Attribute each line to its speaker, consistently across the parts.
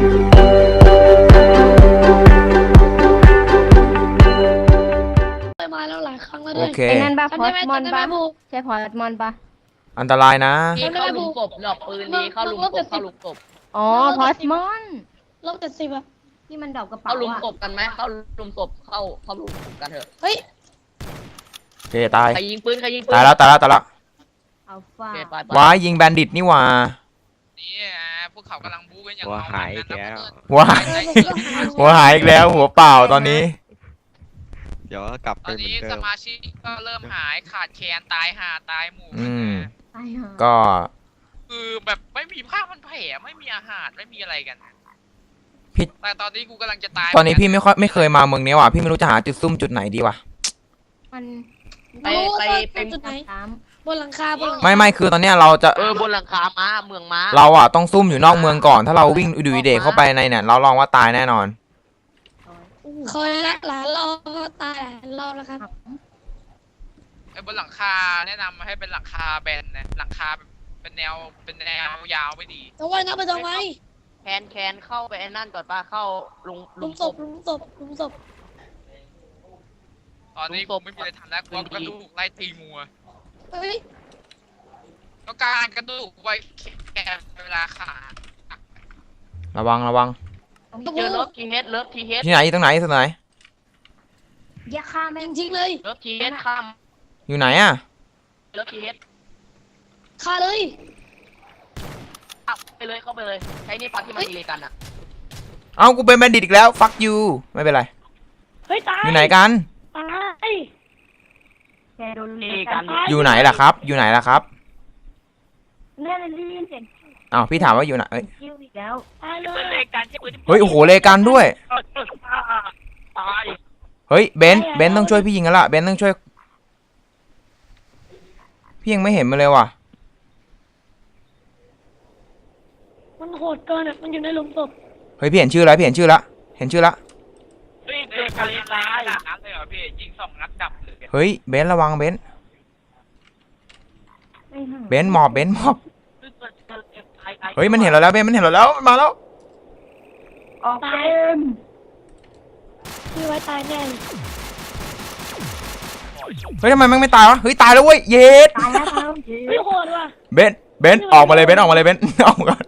Speaker 1: มาแล้วหลายครั้งแล้ว
Speaker 2: โอ
Speaker 1: ด้วย
Speaker 2: เค
Speaker 3: ไอ้นั่นปะพอ
Speaker 1: จำได้
Speaker 3: ส
Speaker 1: ไหม
Speaker 3: มอน
Speaker 1: จำได้ไหม
Speaker 3: ปะ
Speaker 1: บู
Speaker 3: ใช่พอสมอนปะ
Speaker 2: อันตรายนะ
Speaker 4: นี่เข้าลุมกบหลอกปืนนี้เข้าลุมกบเข้าลุมกบ
Speaker 3: อ๋อพอสมอน
Speaker 1: ลบ70อะ
Speaker 3: ที่มันดอกกระเป๋า
Speaker 4: เข้าลุม
Speaker 3: อะ
Speaker 4: กบกันไหมเข้าลุมกบเข้าลุมกบกันเถอะ
Speaker 1: เฮ้ย
Speaker 2: โอเคตาย
Speaker 4: ใครยิงปืนใครยิงปืน
Speaker 2: ตายแล้ว
Speaker 3: อัลฟา
Speaker 4: โอเคไป
Speaker 2: ว้ายยิงแบนดิตนี่หว่า
Speaker 5: นี่พวกเขากำลังบู๊กันอย่าง
Speaker 6: หัวหายอีกแล้ว
Speaker 2: หัวหายหัวหายอีกแล้วหัวเปล่าตอนนี้
Speaker 6: เดี๋ยวกลับ
Speaker 5: ต
Speaker 6: ไป
Speaker 5: อน
Speaker 6: เหมือ
Speaker 5: นี้
Speaker 6: นเดิ
Speaker 5: ส
Speaker 6: ม
Speaker 5: มาชิกก็เริ่มหายขาดแคลนตายห่าตายหมู่
Speaker 2: อืม
Speaker 3: ไอ้ห่า
Speaker 2: ก็
Speaker 5: คือแบบไม่มีผ้าพันแผลไม่มีอาหารไม่มีอะไรกัน
Speaker 2: พี่
Speaker 5: แต่ตอนนี้กูกำลังจะตาย
Speaker 2: ตอนนี้พี่ไม่เคยมาเมืองนี้ว่ะพี่ไม่รู้จะหาจุดซุ่มจุดไหนดีว่ะ
Speaker 3: มัน
Speaker 4: ไป
Speaker 1: จุดไหน
Speaker 3: ตาม
Speaker 1: บนหลังคาบนหลังคา
Speaker 2: ไม่คือตอนเนี้ยเราจะ
Speaker 4: บนหลังคาม้าเมืองม้า
Speaker 2: เราอ่ะต้องซุ่มอยู่นอกเมืองก่อน ถ้าเราวิ่งอุดุยเดะเข้าไปในเนี่ยเราลองว่าตายแน่นอน
Speaker 1: เคยละหลายรอบก็ตายหลายรอบแล้วครับ
Speaker 5: ไอ้บนหลังคาแนะนำให้เป็นหลังคาแบนนะหลังคาเป็นแนวยาวไม่ดี
Speaker 1: ต้องว่ายน้ำไปตรงไหน
Speaker 4: แคนเข้าไปไอ้นั่นก่อนป้าเข้าลุ
Speaker 1: ลุ
Speaker 4: ม
Speaker 1: ม
Speaker 4: ก
Speaker 1: ศพ
Speaker 4: บ
Speaker 1: ลุมศพลุมศพ
Speaker 5: ตอนนี้กูไม่มีอะไรทำแล้วกูเอากระดูกไล่ตีงัว
Speaker 1: เฮ้ย
Speaker 5: ต้องการกระดูกไว้แค่เวลาขาด
Speaker 2: ระวัง
Speaker 4: เจอเลิฟทีเฮดเลิฟทีเฮด
Speaker 2: ที่ไหนตรงไหน
Speaker 3: อย่าฆ่าแม่ง
Speaker 1: จริงๆเลย
Speaker 4: เลิฟทีเฮดข้าม
Speaker 2: อยู่ไหนอ่ะ
Speaker 4: เลิฟทีเฮด
Speaker 1: ฆ่าเลย
Speaker 4: ไปเลยเข้าไปเลยใช้นี่ปักที่มันดีเลยกันอ่ะ
Speaker 2: เอ้ากูเป็นแบนดิตอีกแล้ว fuck you ไม่เป็นไร
Speaker 1: เฮ้ยตาย
Speaker 2: อยู่ไหนกัน
Speaker 1: ตาย
Speaker 3: แกโดน
Speaker 4: ดี
Speaker 3: เลย
Speaker 4: กัน
Speaker 2: อยู่ไหนล่ะครับ อยู่ไหนล่ะครับ
Speaker 3: แน่เลยได้ยินเสียง
Speaker 2: อ้าวพี่ถามว่าอยู่ไหนเอ้ย
Speaker 3: คิวอีกแล้ว
Speaker 1: ตายเลย
Speaker 4: เลกันใช่ปืน
Speaker 2: เฮ้ยโอ้โหเลกันด้วย
Speaker 4: ตาย
Speaker 2: เฮ้ยเบนซ์ต้องช่วยพี่ยิงกันละเบนซ์ต้องช่วย พี่ยังไม่เห็นมันเลยว่ะ
Speaker 1: มันโหดเกินอ่ะมันอยู่ในหลุมศพ
Speaker 2: เฮ้ยพี่เห็นชื่อแล้วเห็นชื่อละ
Speaker 5: เฮ้ยเจอการตายนัดเลยเหรอพี่ยิง2 นัดดับเลย
Speaker 2: เฮ้ยเบนซ์ระวังเบนซ์
Speaker 3: ไอ้ห่า
Speaker 2: เบนซ์หมอบเฮ้ยมันเห็นเราแล้วเบนซ์มันเห็นเราแล้วมันมาแล้ว
Speaker 3: ออกเกม
Speaker 1: พี่ไว้ตายแน่เลย
Speaker 2: เฮ้ยทำไมมันไม่ตายวะเฮ้ยตายแล้วเว้ยเย็ด
Speaker 3: ตายแล้วครับ
Speaker 1: เฮ้ยโหดว่ะ
Speaker 2: เบนซ์ออกมาเลยเบนซ์ออกมาเลยเบนซ์ ออกมาก่อน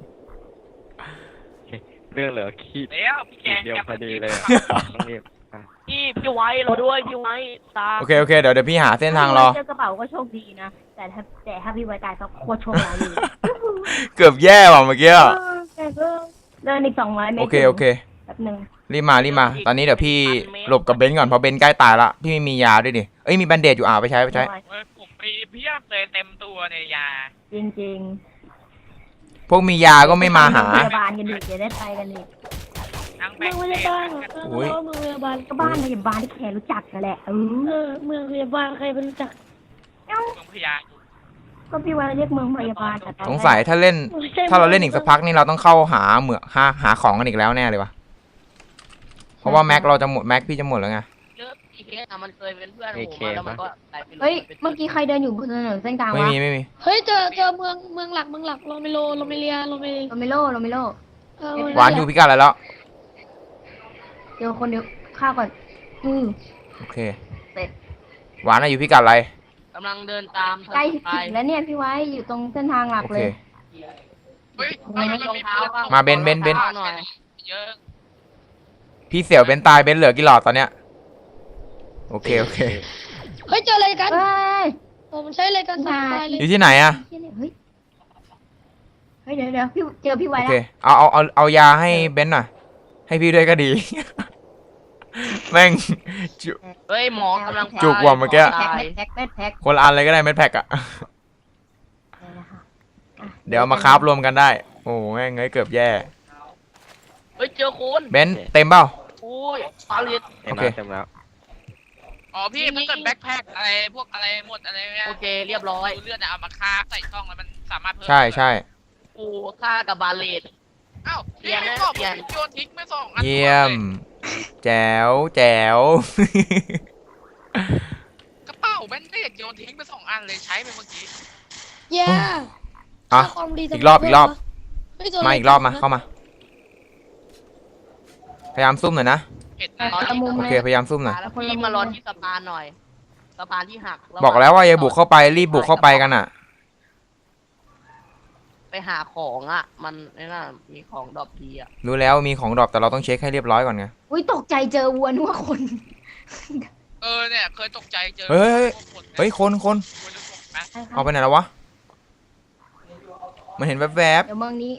Speaker 6: เรื่องเหลือขีด
Speaker 5: แล้วพี่แก
Speaker 6: เดียวพอดีเลยต้องรีบ
Speaker 4: พี่ไว้เราด้วยพี่ไว้ตา
Speaker 2: โอเคเดี๋ยวพี่หาเส้นทางรอ
Speaker 3: เจอกระเป๋าก็โชคดีนะ แต่ถ้าพี่ไว้ตายก็โคตรโชคร้ายอยู่
Speaker 2: เกือบแย่ว่ะเมื่อกี้อะ
Speaker 3: แต่ก็เดินอีก200 เมตร
Speaker 2: โอเค
Speaker 3: แป๊บนึง
Speaker 2: รีบมาตอนนี้เดี๋ยวพี่หลบกับเบนซ์ก่อนเพราะเบนซ์ใกล้ตายละพี่ไม่มียาด้วยดิเอ้ยมีแบนเดดอยู่ไปใช้
Speaker 5: ผมไปเพียบเลยเต็มตัวในยา
Speaker 3: จริง
Speaker 2: พวกมียาก็ไม่มาหา
Speaker 3: พยาบาลกันดิจะได้ไปกันดิ
Speaker 5: ทั้งแบ
Speaker 1: เมือง
Speaker 5: ง
Speaker 1: พ
Speaker 5: ค์
Speaker 1: ยาบาล
Speaker 2: โอ้ย
Speaker 1: เมืองพยาบาล
Speaker 3: ก็บ้านพยาบาลที่แกรู้จักกันแหละ
Speaker 1: เมืองพยาบาลใครเป็นรู้จัก
Speaker 5: เมืองพยา
Speaker 3: ก็พี่ไว้เรียกเมืองพยาบาลแต่ตอน
Speaker 2: ส
Speaker 3: แรก
Speaker 2: งสัยถ้าเล่น
Speaker 1: ไม่ใช่
Speaker 2: ถ้าเราเล่นอีกสักพักนี่เราต้องเข้าหาหาของกันอีกแล้วแน่เลยวะเพราะว่าแม็กเราจะหมดแม็กพี่จะหมดแล้วไง
Speaker 4: เลิฟทีเฮดมันเคยเป็นเพื่อนผมมาแล้วมันก็ตายไปเลย
Speaker 3: เฮ้ยเมื่อกี้ใครเดินอยู่บนถนนเส้นกลาง
Speaker 2: ไม่
Speaker 3: วะ
Speaker 2: มี
Speaker 1: เฮ้ยเจอเมืองหลักโรเมโลโรเมเลียโรเม
Speaker 3: โรเมโล
Speaker 2: หวานอยู่พิกัดอะไรแล้ว
Speaker 3: เดี๋ยวคนเดียวข้าวก่อน
Speaker 2: โอเค
Speaker 3: เสร็จ
Speaker 2: หวานอยู่พิกัดอะไร
Speaker 4: กำลังเดินตาม
Speaker 3: ใกล้ถึงแล้วเนี่ยพี่ไว้อยู่ตรงเส้นทางหลัก
Speaker 2: โอ
Speaker 3: เล
Speaker 2: เค
Speaker 3: ย
Speaker 5: เฮ้ย
Speaker 2: มาเบน
Speaker 4: หน่อย
Speaker 5: เยอะ
Speaker 2: พี่เสี่ยวเบนตายเบนเหลือกี่หลอดตอนเนี้ยโอเค
Speaker 1: เฮ้ยเจออะไรกัน
Speaker 3: เฮ้ย
Speaker 1: ผมใช้อะไรกันตายเล
Speaker 2: อย ยู่ที่ไหนอะ
Speaker 3: เฮ้ยเดี๋ยวพี่เจอพี่ไว้
Speaker 2: โอ
Speaker 3: แล้
Speaker 2: เคว เอายาให้เบนหน่อยให้พี่ด้วยก็ดี แม่ง
Speaker 4: เฮ้ยหมอกำลัง
Speaker 2: จุกว่ะเมื่อกี้
Speaker 3: แพ็ค
Speaker 2: คนละอันเลยก็ได้เม็ดแพ็กอะเดี๋ยวเอามาคราฟรวมกันได้โอ้แม่งเอ้ยเกือบแย่
Speaker 4: เฮ้ยเจอคน
Speaker 2: เบนเต็มเปล่า
Speaker 4: โอ้ยปาลิต
Speaker 6: เต็มแล้วเต็มแล้ว
Speaker 5: อ๋อพี่มันเกิดแบ็คแพ็คอะไรพวกอะไรหมดอะไรเนี่ย
Speaker 4: โอเคเรียบร้อย
Speaker 5: เลือดเอามาคาบใส่ช่องแล้วมันสามารถเพิ่ม
Speaker 2: ใช่
Speaker 4: กูฆ่ากับบาเลต
Speaker 5: อ้าวพี่ไม่บอกผมโยนทิ้งไม่2 อัน
Speaker 2: เยี่ยมแจ๋ว
Speaker 5: กระเป๋าแบนเดดโยนทิ้งไป2 อันเลยใช้ไปเมื่อกี้
Speaker 1: แย่
Speaker 2: อ่ะ
Speaker 1: ความดี
Speaker 2: อีกรอบ
Speaker 1: เฮ้ยตัว
Speaker 2: มาอีกรอบมาเข้ามาพยายามซุ่มหน่อยนะ
Speaker 5: เห็น
Speaker 3: ไป
Speaker 5: นะ
Speaker 3: คนละมุม
Speaker 2: โอ
Speaker 3: เล
Speaker 2: เค
Speaker 3: ย
Speaker 2: พยายามซุ่มหน่อย
Speaker 4: แล้วพี่มารอที่สะพานหน่อยสะพานที่หักระห
Speaker 2: บอกแล้วว่าอย่าบุกเข้าไปรีบบุกเข้าไปกันอ่ะ
Speaker 4: ไปหาของอ่ะ มันไอ้น่ะมีของดรอปดีอ่ะ
Speaker 2: รู้แล้วมีของดรอปแต่เราต้องเช็คให้เรียบร้อยก่อนไง
Speaker 3: อุ้ยตกใจเจอวัวนึกว่าคน
Speaker 5: เนี่ยเคยตกใจเจอ
Speaker 2: เฮ้ย
Speaker 5: คน
Speaker 2: เฮ้ยคน เอาไปไหนแล้ววะ มันเห็นแวบ
Speaker 3: เดี๋ยวเมืองนี้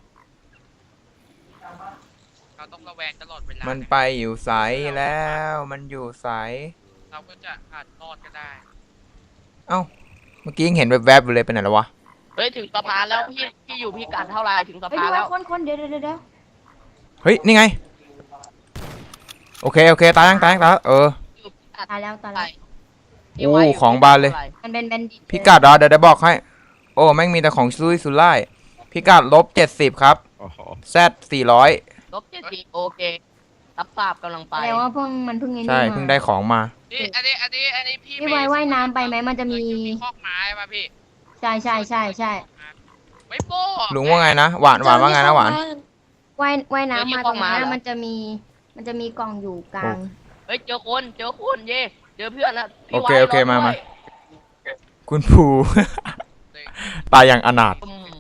Speaker 5: เราต้องระแวงตลอดเวลา
Speaker 2: ๆมันไปอยู่ใสแล้ว มันอยู่ใส
Speaker 5: เราก็จะอาจรอดก็ได้
Speaker 2: เอ้า เมื่อกี้ยังเห็นแวบๆอยู่เลยไปไหนแล้ววะ
Speaker 4: เฮ้ยถึงสะพานแล้วพี่อยู่พี่กัดเท่าไหร่ถึงสะ
Speaker 3: เฮ้ย
Speaker 4: พาน
Speaker 3: ดู
Speaker 4: แล้ว
Speaker 3: ว่าคนเดี๋ยว
Speaker 2: เฮ้ย นี่ไง โอเคตายยังเออ
Speaker 4: อยู่พี่กัด
Speaker 3: ตายแล้ว
Speaker 4: พี่ไว้ยู่
Speaker 2: ของบานเลย
Speaker 3: มันเป็นแบนดิต
Speaker 2: พิกัดเดี๋ยวบอกให้ โอ้แม่งมีแต่ของซุยสุร่ายพิกัด-70ครับ
Speaker 6: โอ้โห
Speaker 2: Z 400
Speaker 4: ลบ70โอเครับทราบกำลังไป
Speaker 3: แปลว่ามันเพิ่งไอ้นี่
Speaker 2: ใช่
Speaker 3: มา
Speaker 2: เพิ่งได้ของมา
Speaker 5: นี่อันนี้พี่
Speaker 3: พี่ไว้ว่ายน้ำไปไหมมันจะมี
Speaker 5: คอกไม้ป่ะพี่
Speaker 3: ใช่
Speaker 5: ไม่โป้
Speaker 2: ลุงว่าไงนะ หวานว่าไงนะหวาน
Speaker 3: ว่ายน้ำมาตรงนั้นมันจะมีกล่องอยู่กลาง
Speaker 4: เฮ้ยเจอคนเย่เจอเพื่อนแล้วพี่
Speaker 2: โอเค
Speaker 4: ไว้
Speaker 2: โอเค
Speaker 4: รอ
Speaker 2: มา
Speaker 4: ด้วย
Speaker 2: คุณภู ตายอย่างอนาถ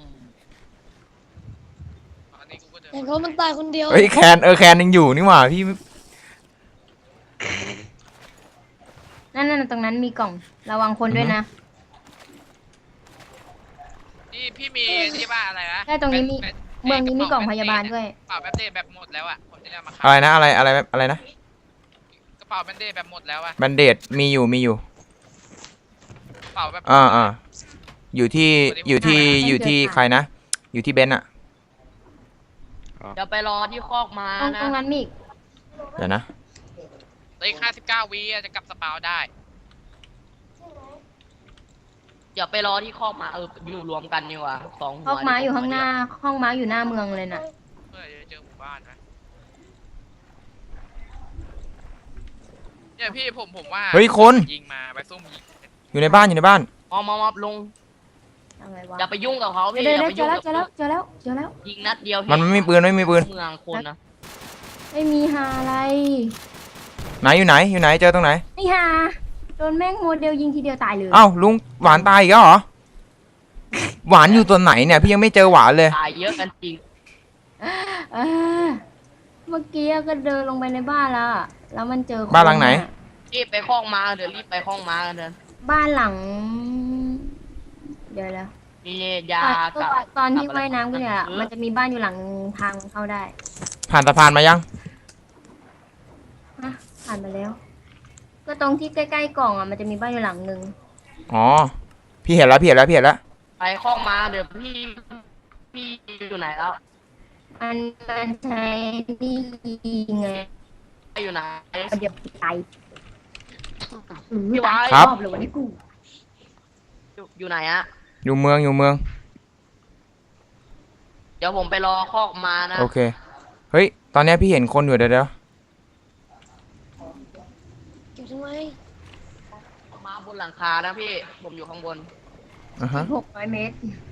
Speaker 5: อันนี้กูก็เดิน
Speaker 1: เห็นเขามันตายคนเดียว
Speaker 2: เฮ้ยแคนยังอยู่นี่หว่าพี่
Speaker 3: นั่นตรงนั้นมีกล่องระวังคนด้วยนะ
Speaker 5: นี่พี่มีที่บ้านอะไรนะ
Speaker 3: ใช่ตรงนี้มี เมืองนี้มีกล่องพยาบาลด้วย
Speaker 5: กระเป๋าแบนเดตแบบหมดแล้วอ่ะผมจะได้มา
Speaker 2: อะไรนะอะไรนะ
Speaker 5: กระเป๋าแบนเดตแบบหมดแล้วอ่ะ
Speaker 2: แบนเดดมีอยู่
Speaker 5: กระเป๋าแบบ
Speaker 2: อยู่ที่ใครนะ อยู่ที่เบนซ์อะ
Speaker 4: เดี๋ยวไปรอที่คอกมา
Speaker 3: ตรง
Speaker 4: นะ
Speaker 3: ตรงนั้นมีอีก
Speaker 2: เดี๋ยวนะ
Speaker 5: อีก59 วิจะกลับสปาวได้
Speaker 4: เดี๋ยวไปรอที่คอกมาอยู่รวมกันดีกว่าสองหัว
Speaker 3: ห้องม้าอยู่ข้างหน้า ห้องม้าอยู่หน้าเมืองเลยน่ะ
Speaker 5: เพื่อจะเจอหมู่บ้านนะเนี่ยพี่ผมว่า
Speaker 2: เฮ้ยคน
Speaker 5: ยิงมาไปซุ่มยิง
Speaker 2: อยู่ในบ้าน
Speaker 4: มอบลง
Speaker 3: อะไรวะ
Speaker 4: อย่าไปยุ่งกับเขาพี่
Speaker 3: เดี๋ยว
Speaker 4: อย่าไป
Speaker 3: เจ
Speaker 4: ยุ่
Speaker 3: อง แล้ว
Speaker 4: กับ
Speaker 3: เจอแล้ว
Speaker 4: ยิงนัดเดียว
Speaker 2: มันไม่มีปืน
Speaker 4: เมืองคนนะ
Speaker 3: ไม่มีหาอะไร
Speaker 2: ไหนอยู่ไหนเจอตรงไหน
Speaker 3: ไม่หาโดนแม่งโมเดลยิงทีเดียวตายเลย
Speaker 2: เอ้าลุงหวานตายอีกแล้วเหรอ หวานอยู่ตัวไหนเนี่ยพี่ยังไม่เจอหวานเลย
Speaker 4: ตายเยอะกันจริง
Speaker 3: เออเมื่อกี้ก็เดินลงไปในบ้านแล้วมันเจอคน
Speaker 2: บ้านหลังไหน
Speaker 4: รีบไปคอกมาเดี๋ยวรีบไปคอกมากันเถอะ
Speaker 3: บ้านหลัง เดี๋ยวแล้ว
Speaker 4: มียากับ
Speaker 3: ตอนที่ว่ายน้ำกันเนี่ยมันจะมีบ้านอยู่หลังทางเข้าได้
Speaker 2: ผ่านสะพานมายัง
Speaker 3: ฮะผ่านไปแล้ว ก็ตรงที่ใกล้ๆกล่องมันจะมีบ้านอยู่หลังนึง
Speaker 2: อ๋อ พี่เห็นแล้ว
Speaker 4: ไปคอกมาเดี๋ยวพี่อยู่ไหนแล้ว
Speaker 3: มันใช้นี่ไง
Speaker 4: อยู่ไหน
Speaker 3: เดี๋ยวตาย
Speaker 4: พี่ไว้
Speaker 2: ครับ
Speaker 3: รอบเลยวันนี้กู
Speaker 4: อยู่ไหนอะ
Speaker 2: อยู่เมือง
Speaker 4: เดี๋ยวผมไปรอคอกมานะ
Speaker 2: โอเค เฮ้ย ตอนเนี้ยพี่เห็นคนอยู่เดี๋ยว
Speaker 1: เก็บทำไม
Speaker 4: มาบนหลังคานะพี่ผมอยู่ข้างบน
Speaker 2: อ่าฮะ
Speaker 3: 600 เมตร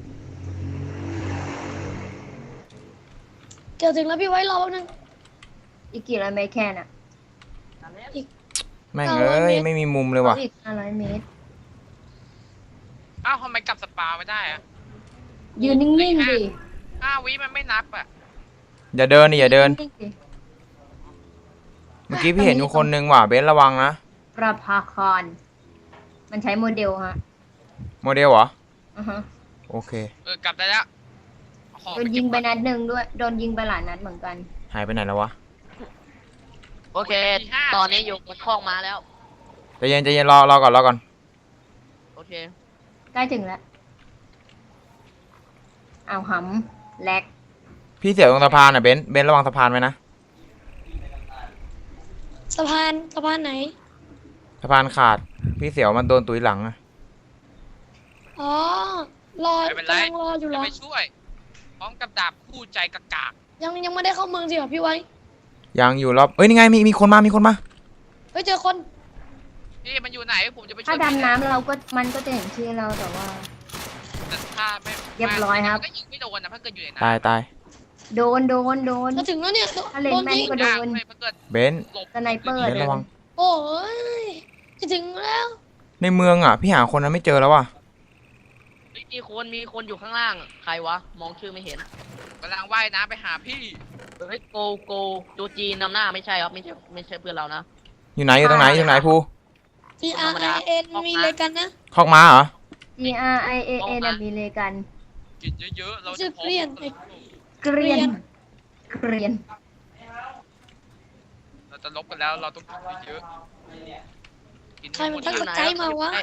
Speaker 1: เกี่ยวถึงแล้วพี่ไว้รอแป๊บนึง
Speaker 3: อีกกี่ร้อยเมตรแค่น่ะ
Speaker 2: แม่งเอ้ยไม่มีมุมเลยว่ะ
Speaker 3: อีก500 เมตร
Speaker 5: อ้าวทำไมกลับสปาวไม่ได้อะ
Speaker 3: ยืนนิ่งๆดิ
Speaker 5: 5 วิมันไม่นับอ่ะ
Speaker 2: อย่าเดิน
Speaker 3: นิ่งๆดิ
Speaker 2: เมื่อกี้พี่เห็นอยู่คนนึงว่ะเบนซ์ระวังนะ
Speaker 3: ประภาคารมันใช้โมเดลฮะ
Speaker 2: โมเดลเหรอ
Speaker 3: อือฮะ
Speaker 2: โอเค
Speaker 5: กลับได้แล้วเอาของ
Speaker 3: โดนยิงไปนัดหนึ่งด้วย โดนยิงไปหลายนัดเหมือนกัน
Speaker 2: หายไปไหนแล้ววะ
Speaker 4: โอเค ตอนนี้อยู่บนคอกมาแล้ว
Speaker 2: ใจเย็นรอก่อน
Speaker 4: โอเค
Speaker 3: ใกล้ถึงแล้วเอาหำแลก
Speaker 2: พี่เสียวตรงสะพานอ่ะเบนซ์ระวังสะพานไว้นะ
Speaker 1: สะพานไหน
Speaker 2: สะพานขาด พี่เสียวมันโดนตุยหลังอะ
Speaker 1: อ๋อ รอก
Speaker 5: ไม่เป็นไร
Speaker 1: ำลังรออยู่เหร
Speaker 5: จะ
Speaker 1: อ
Speaker 5: ไปช่วย พร้อมกับดาบคู่ใจกากาก
Speaker 1: ยังไม่ได้เข้าเมืองจริงเหรอพี่ไว้
Speaker 2: ยังอยู่รอบเอ้ยนี่ไงมีคนมา
Speaker 1: เฮ้ยเจอคน
Speaker 5: พี่มันอยู่ไหนผมจะไปช่วย
Speaker 3: ถ้าดำน้ำมันก็จะเห็นชื่อเราแต่ว่า
Speaker 5: แต่ถ้าไม่
Speaker 3: เรียบร้อยครับ
Speaker 5: ก็ยิงไม่โดนนะถ้าเกิดอยู่ใน
Speaker 2: ตาย
Speaker 5: น้ำ
Speaker 3: โดน
Speaker 1: จะถึงแล้วเนี่ย
Speaker 3: ถ้าเล่น
Speaker 1: โดน
Speaker 3: แม่น
Speaker 1: ยิง
Speaker 3: ก็โดน
Speaker 5: เลยมันเกิด
Speaker 2: เบนซ์
Speaker 5: หลบ
Speaker 3: สไนเปอร์
Speaker 2: เบนซ์
Speaker 3: โด
Speaker 2: ระวัน ง
Speaker 1: โอ้ยจะถึงแล้ว
Speaker 2: ในเมืองอ่ะพี่หาคนนั้นไม่เจอแล้วว่ะ
Speaker 4: มีคนอยู่ข้างล่าง ใครวะ มองชื่อไม่เห็น
Speaker 5: กำลังว่ายน้ำไปหาพี่
Speaker 4: เฮ้ยโกจูจีนนำหน้าไม่ใช่ครับไม่ใช่เพื่อนเรานะ
Speaker 2: อยู่ไหนอยู่ตรงไหนอยู่ตรงไหนภู
Speaker 1: ที่ RIN มีอะไรกันนะ
Speaker 2: คอกม้าเหรอ
Speaker 3: G R I A N มีเลยกัน
Speaker 5: กินเยอะๆเรา
Speaker 1: ชื่
Speaker 5: จะ
Speaker 1: อเกลียน
Speaker 3: เกรียน
Speaker 5: เราจะลบกันแล้วเราต้องกินเยอะๆกิน
Speaker 1: ใครมัน
Speaker 5: ห
Speaker 1: ตั้ง
Speaker 5: ด
Speaker 1: สกายมาวะ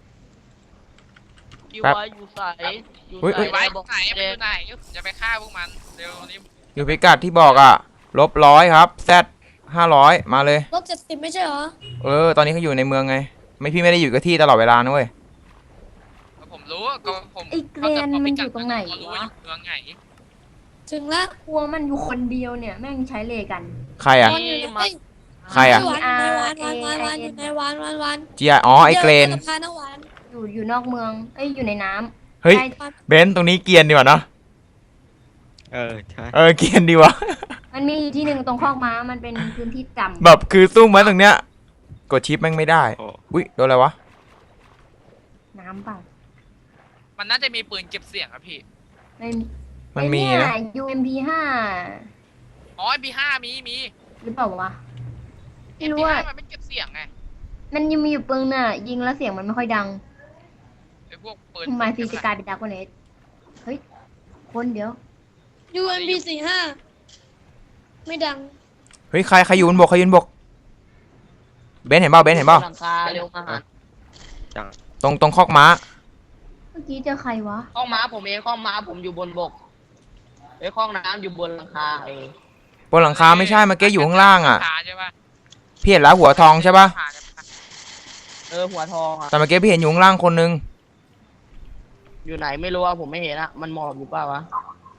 Speaker 4: อยู่ไว้อยู่ใส่อยู่
Speaker 2: เฮ้ย
Speaker 4: ใส่
Speaker 5: ไว้
Speaker 4: บอก
Speaker 5: ไหนมันอยู่ไหนจะไปฆ่าพวกมันเร็วนี้
Speaker 2: อยู่พิกัดที่บอกอ่ะ-100ครับแซด500มาเลย
Speaker 1: ลบ70ไม่ใช่เหรอ
Speaker 2: ตอนนี้เขาอยู่ในเมืองไง ไม่พี่ไม่ได้อยู่กับที่ตลอดเวลานะเว้ย
Speaker 5: ผมรู้ว่าก็ผม
Speaker 3: ไอ้เกรียนมันอยู่ตรงไหน
Speaker 5: เขารู้
Speaker 3: วะ
Speaker 5: ว่าอยู่เมืองไหน
Speaker 1: ถึงแล้ว
Speaker 3: กลัวมันอยู่คนเดียวเนี่ยแม่งใช้เลกัน
Speaker 2: ใครอ่ะ
Speaker 1: วานอยู่ใน
Speaker 2: ใครอะ
Speaker 1: วานอยู่ในวาน
Speaker 2: จีไออ๋อไอเกรน
Speaker 1: จสะพานนะวาน
Speaker 3: อยู่นอกเมืองอยู่ในน้ำ
Speaker 2: เฮ้ย
Speaker 3: ใช่
Speaker 2: เบนซ์ตรงนี้เกรียนดีกว่าเนาะ
Speaker 6: ใช่
Speaker 2: เกรียนดีว่ะ
Speaker 3: มันมีที่หนึ่งตรงคอกม้ามันเป็นพื้นที่จำ
Speaker 2: แบบคือซุ่มไว้ตรงเนี้ย กดชิปแม่งไม่ได้
Speaker 6: โอ้
Speaker 2: อุ้ยโดนอะไรวะ
Speaker 3: น้ำเปล่า
Speaker 5: มันน่าจะมีปืนเก็บเสียงอะพี่
Speaker 3: ไม่
Speaker 2: มันมี
Speaker 3: ไอ้
Speaker 2: นะ
Speaker 3: เย UMP 5
Speaker 5: อ๋อ MP5 มี
Speaker 3: หรือเปล่าวะไม่รู้
Speaker 5: MP5
Speaker 3: ว่า
Speaker 5: มันไม่เก็บเสียงไง
Speaker 3: มันยังมีอยู่ปืนน่ะ ยิงแล้วเสียงมันไม่ค่อยดัง
Speaker 5: ไอ้พวกปืน
Speaker 3: ทำไมซีจะกลายเป็นดาร์กเนสเฮ้ย คนเดียว
Speaker 1: UMP 45ไม่ดัง
Speaker 2: เฮ้ยใครอยู่บนบกใครยืนบก เบนซ์เห็นเปล่าเบนซ์เห็นเปล่า
Speaker 4: หลังคาเร็วมาหา
Speaker 2: ตรงคอกม้า
Speaker 3: เมื่อกี้เจอใครวะ
Speaker 4: ข้องม้าผมเองข้องม้าผมอยู่บนบกไอ้ข้องน้ำอยู่บนหลังคา
Speaker 2: บนหลังคาไม่ใช่เมื่อกี้อยู่ข้างล่างอ่ะ
Speaker 5: ขาใช่ปะ
Speaker 2: พี่เห็นแล้วหัวทองใช่ปะ
Speaker 5: ขากันปะ
Speaker 4: หัวทองอะ
Speaker 2: แต่เมื่อกี้พี่เห็นอยู่ข้างล่างคนนึง
Speaker 4: อยู่ไหนไม่รู้อะผมไม่เห็นอะมันหมอบอยู่เปล่าวะ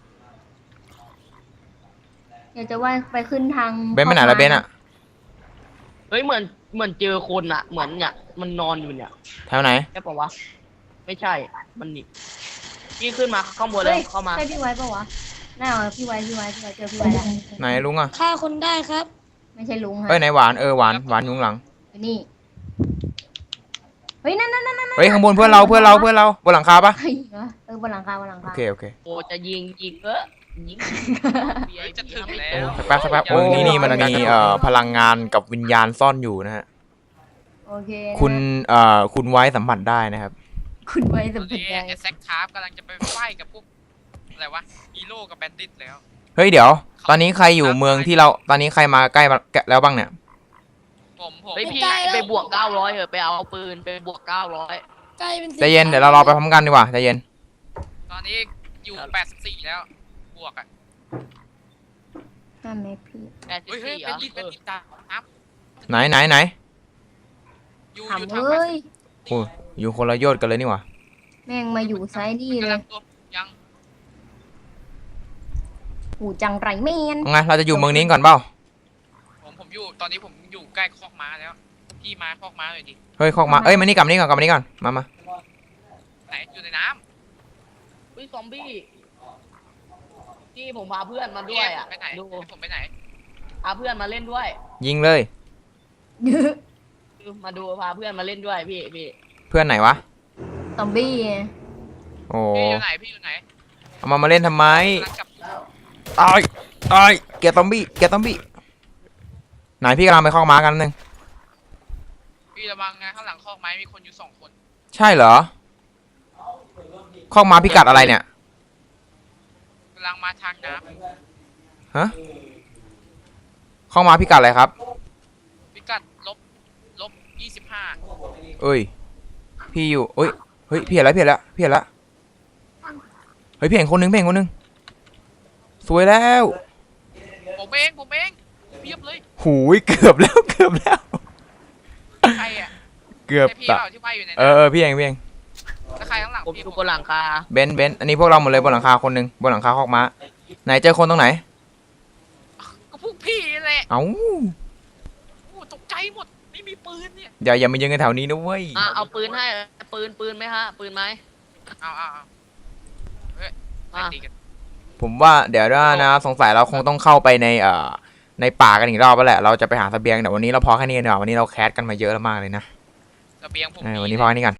Speaker 3: อยากจะว่าไปขึ้นทาง
Speaker 2: เบนซ์ไปไหนละเบนซ์อ่ะ
Speaker 4: เฮ้ยเหมือนเจอคนอะเหมือนเนี่ยมันนอนอยู่เนี่ย
Speaker 2: แถวไหน
Speaker 4: ใช่ปะวะไม่ใช่มันนี่พี่ขึ้นมาข้างบนเล
Speaker 3: เฮ้
Speaker 4: ย
Speaker 3: ย
Speaker 4: เข้ามา
Speaker 3: ใช่พี่ไว้ปะวะน่าเอาพี่ไว้เจอพี่ไว้แล้ว
Speaker 2: ไหนลุงอ่ะ
Speaker 1: ฆ่าคนได้ครับ
Speaker 3: ไม่ใช่ลุงฮะ
Speaker 2: เอ้ยไหนหวานหวานอยู่ข้างหลัง
Speaker 3: อยู่นี่ เฮ้ยนั่น
Speaker 2: เฮ้ยข้างบนเพื่อนเราบนหลังคาปะ
Speaker 3: เฮ้ยบนหลังคา
Speaker 2: โอเค
Speaker 4: โอ้จะยิงยิงยิง
Speaker 5: เฮ้ยจะถึงแล้ว
Speaker 2: สักแป๊บนี่มันมีพลังงานกับวิญญาณซ่อนอยู่นะฮะ
Speaker 3: โอเคนะ
Speaker 2: คุณไว้สัมผัสได้นะครับ
Speaker 3: คุณไว้
Speaker 5: ต
Speaker 3: สั
Speaker 5: อ
Speaker 3: ม
Speaker 5: น
Speaker 3: ผัส
Speaker 5: นี้
Speaker 3: ได้
Speaker 5: ไอ้แซคคาร์ฟกำลังจะไปไฟกับพวกอะไรวะฮีโร่กับแบนดิตแล้ว
Speaker 2: เฮ้ยเดี๋ยว ตอนนี้ใครอยู่เมืองที่เราตอนนี้ใครมาใกล้แล้วบ้างเนี่ย
Speaker 5: ผม
Speaker 4: เฮ้ยพี่
Speaker 1: ใกล้แล้ว
Speaker 4: ไปบวก900เหอะไปเอาปืนไปบวก900
Speaker 1: ใกล้เป็น
Speaker 2: ใจเย็นเดี๋ยวเรารอไปพร้อมกันดีกว่าใจเย็น
Speaker 5: ตอนนี้อยู่84แล้วบวกอ่ะ
Speaker 3: นั่นไหมพี่
Speaker 5: เฮ้ย
Speaker 4: 84
Speaker 5: แบนดิตตามครับ
Speaker 2: ไหน
Speaker 5: อยู่
Speaker 3: ถาม
Speaker 5: อยู่ทาง
Speaker 3: เอ้ย
Speaker 2: โอ้ยอยู่คนละโยชน์กันเลยนี่หว่า
Speaker 3: แม่งมาอยู่ไซด์นี่เล
Speaker 5: กำลั
Speaker 3: ย
Speaker 5: งตัวยัง
Speaker 3: หูจังไรแมน
Speaker 2: เอาไงเราจะอยู่เมืองนี้ก่อนเปล่า
Speaker 5: ผมอยู่ตอนนี้ผมอยู่ใกล้คอกม้าแล้วพี่มาคอกม้าหน่อยดิ
Speaker 2: เฮ้ยคอกมาเอ้ยมานี่กลับมานี่ก่อนมา
Speaker 5: ไหนอยู่ในน้
Speaker 4: เฮ้ยซอมบี้ที่ผมพาเพื่อนมา
Speaker 5: ำ
Speaker 4: ด้วย
Speaker 5: ผ
Speaker 4: อ่ะ
Speaker 5: มไปไหน
Speaker 4: ดู
Speaker 5: ผมไปไหน
Speaker 4: พาเพื่อนมาเล่นด้วย
Speaker 2: ยิงเลย
Speaker 4: มาดูพาเพื่อนมาเล่นด้วยพี่
Speaker 2: เพื่อนไหนวะ
Speaker 3: ซอมบี้
Speaker 2: โอ้
Speaker 5: พี่อยู่ไหน
Speaker 2: เอามาเล่นทำไม
Speaker 5: กำลังกลับ
Speaker 2: ตายเกียร์ซอมบี้ไหนพี่กำลังไปคอกม้ากันนึง
Speaker 5: พี่ระวังนะข้างหลังคอกไม้มีคนอยู่2 คน
Speaker 2: ใช่เหรอคอกม้าพิกัดอะไรเนี่ย
Speaker 5: กำลังมาทางน้
Speaker 2: ฮะคอกม้าพิกัดอะไรครับ
Speaker 5: ำพิกัดลบ25
Speaker 2: เอ้ยพี่อยู่เฮ้ยพี่เห็นแล้วเฮ้ยพี่เห็นคนนึงสวยแล้ว
Speaker 5: ผมเองเพียบเลย
Speaker 2: หูยเกือบแล้ว
Speaker 5: ใครอ่ะ
Speaker 2: เกือบ
Speaker 5: ใช่พี่
Speaker 2: ตะ
Speaker 5: เปล่าที่ว่ายอยู่ใน
Speaker 2: เอ
Speaker 5: น้ำ
Speaker 2: อพี่เอง
Speaker 5: แล้วใครข้างหลัง
Speaker 4: ผม
Speaker 5: พี่
Speaker 4: อยู่บนหลังคา
Speaker 2: เบนซ์อันนี้พวกเราหมดเลยบนหลังคาคนหนึ่งบนหลังคาคอกม้าไหนเจอคนตรงไหน
Speaker 5: ก็พวกพี่แหละ
Speaker 2: เอ้า
Speaker 5: โอ้ตกใจหมดไม่มีปืนเนี่ย
Speaker 2: อย่ามายืนกันแถวนี้นะเว้ย
Speaker 4: เอาปืนให้ปืนไหมฮะปืนไหม
Speaker 5: เอาเฮ้ย
Speaker 4: อ่ะ
Speaker 5: ตีกัน
Speaker 2: ผมว่าเดี๋ยวนะสงสัยเราคงต้องเข้าไปในป่ากันอีกรอบแล้วแหละเราจะไปหาเสบียงเดี๋ยววันนี้เราพอแค่นี้กันดีกว่าวันนี้เราแคสกันมาเยอะแล้วมากเลยนะ
Speaker 5: เสบียงผม
Speaker 2: วันนี้พอแค่นี้ก่อน